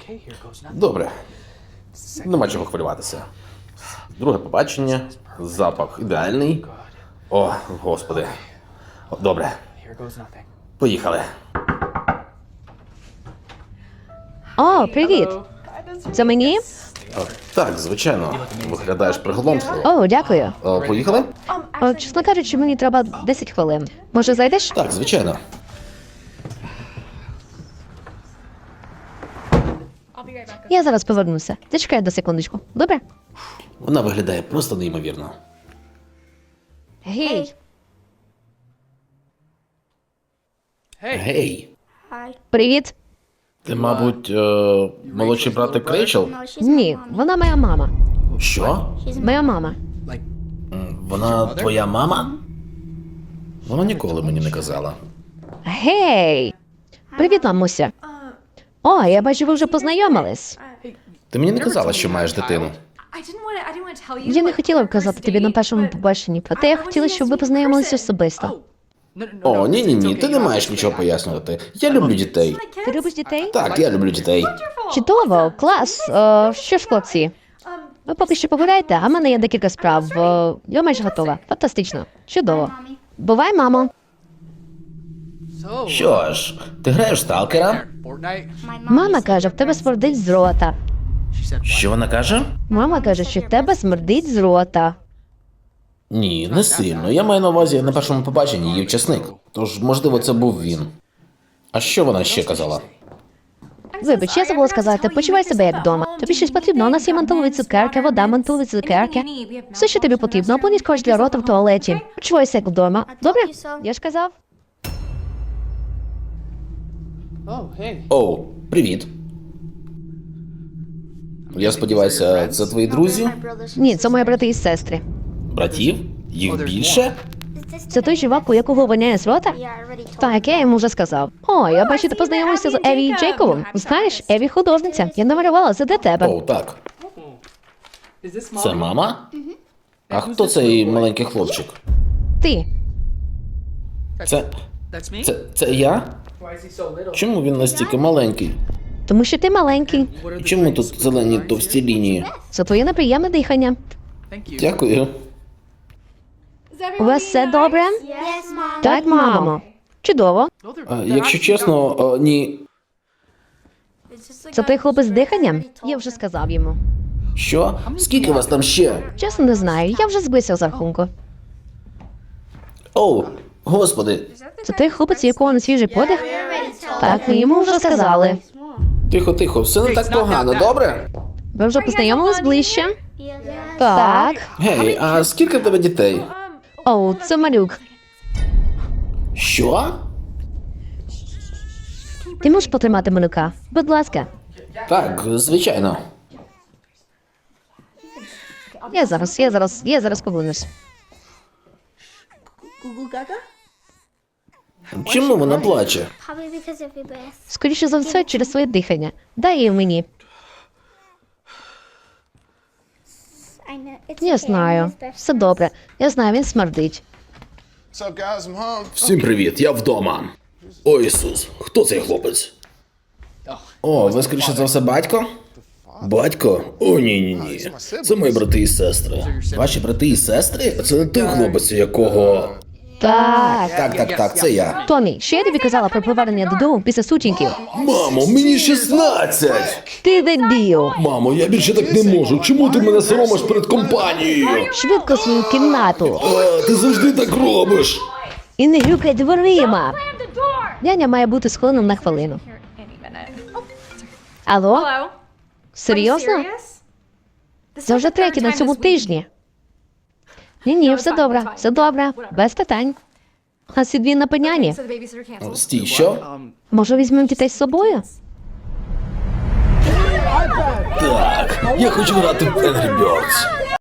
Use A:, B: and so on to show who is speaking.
A: Добре. Нема чого хвилюватися. Друге побачення. Запах ідеальний. О, господи. Добре. Поїхали.
B: О, привіт. Це мені?
A: Так, звичайно. Виглядаєш приголомшливо.
B: О, дякую.
A: Поїхали?
B: Чесно кажучи, мені треба 10 хвилин. Може, зайдеш?
A: Так, звичайно.
B: Я зараз повернуся. Зачекай до секундочку. Добре?
A: Вона виглядає просто неймовірно.
B: Гей.
A: Гей.
B: Привіт.
A: Ти, мабуть, молодший братик Рейчел?
B: Ні, вона моя мама.
A: Що?
B: Моя мама.
A: Вона твоя мама? Вона ніколи мені не казала.
B: Гей. Привіт, мамуся. О, я бачу, ви вже познайомились.
A: Ти мені не казала, що маєш дитину.
B: Я не хотіла вказати тобі на першому побаченні, проте я хотіла, щоб ви познайомилися особисто.
A: О, ні, ти не маєш нічого пояснювати. Я люблю дітей.
B: Ти любиш дітей?
A: Так, я люблю дітей.
B: Чудово, клас. Що ж, хлопці? Ви поки що погуляйте, а в мене є декілька справ. Я майже готова. Фантастично. Чудово. Бувай, мамо.
A: Що ж, ти граєш в сталкера?
B: Мама каже, в тебе смердить з рота.
A: Що вона каже?
B: Мама каже, що в тебе смердить з рота.
A: Ні, не сильно. Я маю на увазі на першому побаченні її вчасник. Тож, можливо, це був він. А що вона ще казала?
B: Вибач, я забула сказати, почувай себе як вдома. Тобі щось потрібно, у нас є мантулові цукерки, вода, мантулові цукерки. Все, що тобі потрібно, або скотч для рота в туалеті. Почувайся як вдома. Добре? Я ж казав.
A: Оу, привіт. Я сподіваюся, це твої друзі?
B: Ні, це мої брати і сестри.
A: Братів? Їх більше?
B: Це той чувак, у якого воняє з рота? Так, я йому вже сказав. О, я бачу, ти познайомився з Еві і Джейковом. Знаєш, Еві художниця. Я намалювала це для тебе.
A: Оу, так. Це мама? А хто цей маленький хлопчик?
B: Ти.
A: Це я? Чому він настільки маленький?
B: Тому що ти маленький.
A: І чому тут зелені товсті лінії?
B: Це твоє неприємне дихання.
A: Дякую.
B: У вас все добре? Так, мамо. Чудово.
A: Якщо чесно, ні.
B: Це той хлопець з диханням? Я вже сказав йому.
A: Що? Скільки вас там ще?
B: Чесно, не знаю, я вже збився з рахунку.
A: Оу, господи.
B: Це той хлопець, у якого не свіжий подих? Так, ми йому вже сказали.
A: Тихо, все не так погано, добре?
B: Ви вже познайомились ближче? Так.
A: Гей, а скільки в тебе дітей?
B: Оу, це малюк.
A: Що?
B: Ти можеш потримати малюка? Будь ласка.
A: Так, звичайно.
B: Я зараз повернусь.
A: Чому вона плаче?
B: Скоріше за все, через своє дихання. Дай її мені. Я знаю. Все добре. Я знаю, він смердить.
A: Всім привіт, я вдома. О, Ісус, хто цей хлопець? О, ви скоріше за все батько? Батько? О, ні. Це мої брати і сестри. Ваші брати і сестри? Це не той хлопець, у якого...
B: Так.
A: Так, це я.
B: Томі, що я тобі казала про повернення додому після сутінків?
A: Мамо, мені 16!
B: Ти дебіл!
A: Мамо, я більше так не можу. Чому ти мене соромиш перед компанією?
B: Швидко в свою кімнату.
A: Ти завжди так робиш.
B: І не грюкай дверима. Няня має бути схиленим на хвилину. Алло? Серйозно? Це вже третє на цьому тижні. Ні, все добре, без питань. А Сідвін на пеняні.
A: Стій, що?
B: Може, візьмемо дітей з собою?
A: Так, я хочу грати в Angry Birds.